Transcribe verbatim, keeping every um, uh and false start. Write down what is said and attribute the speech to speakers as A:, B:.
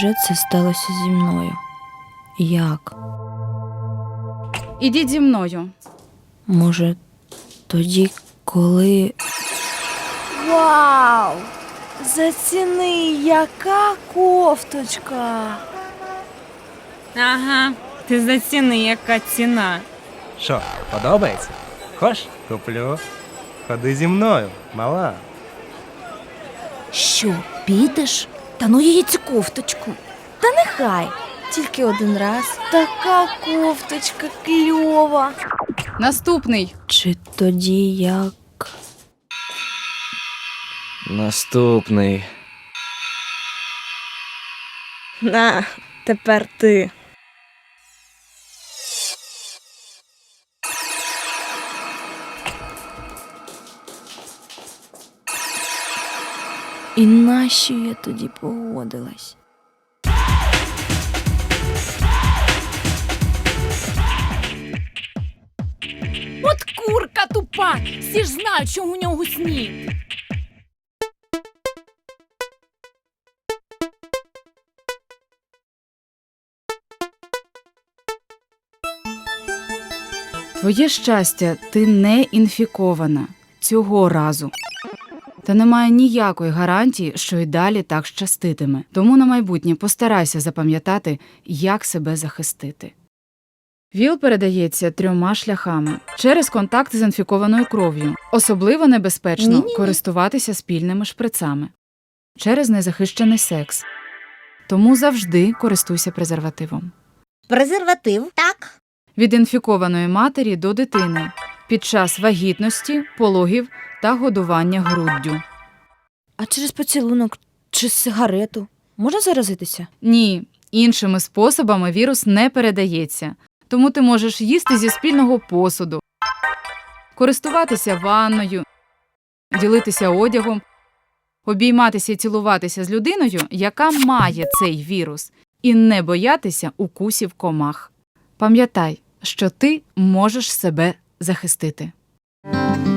A: невже це сталося зі мною? Як?
B: Ідіть зі мною.
A: Може, тоді, коли...
C: Вау! Заціни, яка кофточка!
D: Ага, ти заціни, яка ціна.
E: Що, подобається? Хоч? Куплю. Ходи зі мною, мала.
C: Що, підеш? Та ну її цю кофточку. Та нехай, тільки один раз. Така кофточка кльова.
B: Наступний.
A: Чи тоді як...
F: Наступний.
C: На, тепер ти.
A: І нащо я тоді погодилась?
G: От курка тупа! Всі ж знають, що у нього сніг.
B: Твоє щастя, ти не інфікована. Цього разу. Та немає ніякої гарантії, що й далі так щаститиме. Тому на майбутнє постарайся запам'ятати, як себе захистити. ВІЛ передається трьома шляхами. Через контакт з інфікованою кров'ю. Особливо небезпечно
C: Ні-ні-ні.
B: користуватися спільними шприцами. Через незахищений секс. Тому завжди користуйся презервативом.
H: Презерватив? Так.
B: Від інфікованої матері до дитини. Під час вагітності, пологів та годування груддю.
A: А через поцілунок чи сигарету можна заразитися?
B: Ні, іншими способами вірус не передається. Тому ти можеш їсти зі спільного посуду, користуватися ванною, ділитися одягом, обійматися і цілуватися з людиною, яка має цей вірус, і не боятися укусів комах. Пам'ятай, що ти можеш себе захистити.